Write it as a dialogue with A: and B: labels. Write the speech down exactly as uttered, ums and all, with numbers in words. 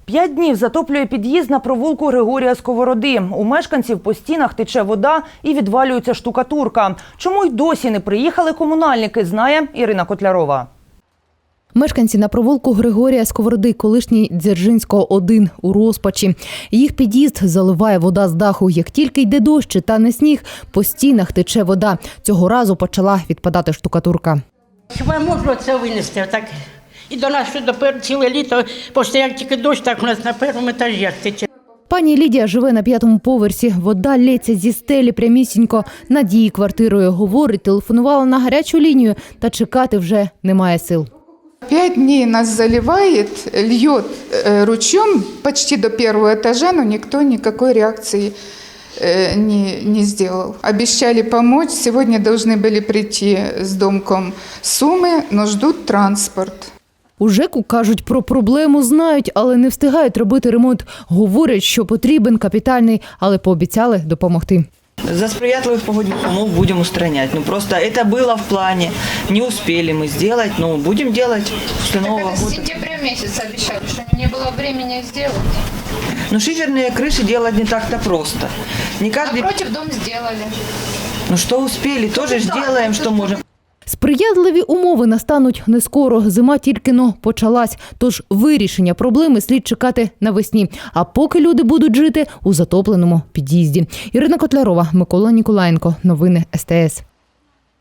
A: П'ять днів затоплює під'їзд на провулку Григорія Сковороди. У мешканців по стінах тече вода і відвалюється штукатурка. Чому й досі не приїхали комунальники, знає Ірина Котлярова.
B: Мешканці на провулку Григорія Сковороди, колишній Дзержинського, один, у розпачі. Їх під'їзд заливає вода з даху. Як тільки йде дощ та не сніг, по стінах тече вода. Цього разу почала відпадати штукатурка.
C: Хіба можна це винести? Так і до нас що тепер ціле літо, просто як тільки дощ, так у нас на першому етажі тече.
B: Пані Лідія живе на п'ятому поверсі. Вода лється зі стелі прямісінько над її квартирою. Говорить, телефонувала на гарячу лінію, та чекати вже немає сил.
D: Пять дней нас заливает, льет ручьем почти до первого этажа, но никто никакой реакции не, не сделал. Обещали помочь, сегодня должны были прийти с домком Сумы, но ждут транспорт.
B: У ЖЕКу кажуть, про проблему знають, але не встигають робити ремонт. Говорять, що потрібен капітальний, але пообіцяли допомогти.
E: За сприятливых погодных умов будем устранять. Ну просто это было в плане, не успели мы сделать, но будем делать после Нового года.
F: С сентября месяца обещали, что не было времени сделать.
E: Но шиферные крыши делать не так-то просто. Не каждый...
F: Напротив дом сделали.
E: Ну что успели, тоже сделаем, что можем.
B: Сприятливі умови настануть не скоро. Зима тільки-но почалась. Тож вирішення проблеми слід чекати навесні. А поки люди будуть жити у затопленому під'їзді. Ірина Котлярова, Микола Ніколаєнко. Новини ес те ес.